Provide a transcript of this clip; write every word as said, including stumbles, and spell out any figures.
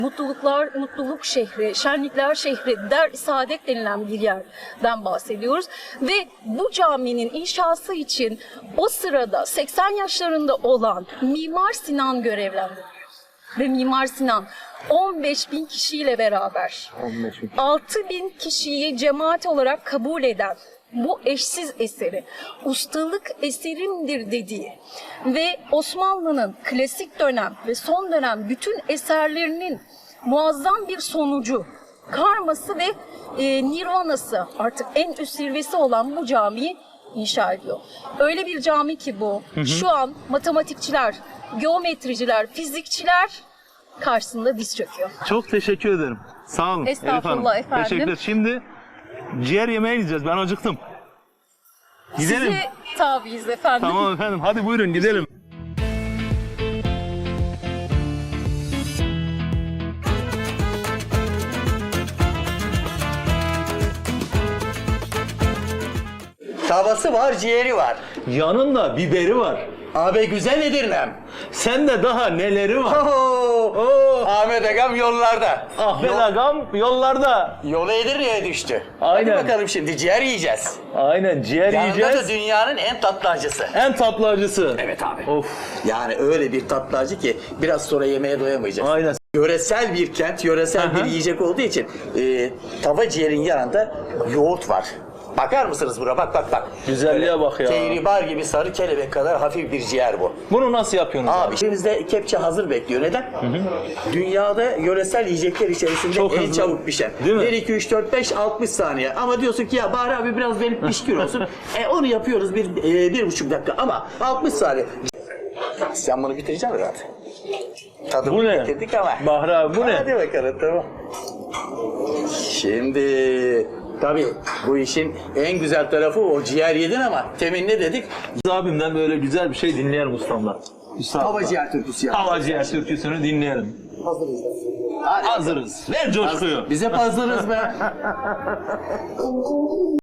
Mutluluklar, mutluluk şehri, şenlikler şehri, der saadet denilen bir yerden bahsediyoruz. Ve bu caminin inşası için o sırada seksen yaşlarında olan Mimar Sinan görevlendiriliyor. Ve Mimar Sinan on beş bin kişiyle beraber altı bin kişiyi cemaat olarak kabul eden bu eşsiz eseri, ustalık eserimdir dediği ve Osmanlı'nın klasik dönem ve son dönem bütün eserlerinin muazzam bir sonucu, karması ve e, nirvanası, artık en üst zirvesi olan bu camiyi inşa ediyor. Öyle bir cami ki bu, hı hı. Şu an matematikçiler, geometriciler, fizikçiler karşısında diz çöküyor. Çok teşekkür ederim. Sağ olun. Estağfurullah Elif Hanım. efendim. Teşekkürler. Şimdi ciğer yemeğe gideceğiz. Ben acıktım. Gidelim. Size tabiiz efendim. Tamam efendim. Hadi buyurun gidelim. Tavası var, ciğeri var. Yanında biberi var. Abi güzel Edirnem. Sende daha neleri var? Oo, Oo. Ahmet Agam yollarda. Ahmet Yol- Agam yollarda. Yolu Edirne'ye düştü. Aynen. Hadi bakalım şimdi ciğer yiyeceğiz. Aynen ciğer Yanında yiyeceğiz. da dünyanın en tatlı acısı. En tatlı acısı. Evet abi. Of. Yani öyle bir tatlı acı ki biraz sonra yemeğe doyamayacağız. Aynen. Yöresel bir kent, yöresel Aha. bir yiyecek olduğu için e, tava ciğerin yanında yoğurt var. Bakar mısınız buna? Bak bak bak. Güzelliğe bak ya. Kehribar gibi sarı kelebek kadar hafif bir ciğer bu. Bunu nasıl yapıyorsunuz abi? Abi elimizde kepçe hazır bekliyor. Neden? Hı hı. Dünyada yöresel yiyecekler içerisinde Çok en hızlı. çabuk pişen. Değil mi? bir, iki, üç, dört, beş, altmış saniye. Ama diyorsun ki ya Bahri abi biraz benim pişkin olsun. e onu yapıyoruz bir, e, bir buçuk dakika ama altmış saniye. Sen bunu bitireceksin zaten. Tadımı Bu ne? getirdik ama. Bahri abi bu ne? Hadi bakalım tamam. Şimdi tabii bu işin en güzel tarafı o ciğer yedin ama temin ne dedik? Abimden böyle güzel bir şey dinleyelim ustamdan. Üstad. Tava ciğer türküsü ya. Tava ciğer türküsünü dinleyelim. Hazırız. Hazırız. Ver coşkuyu. Biz hep hazırız be.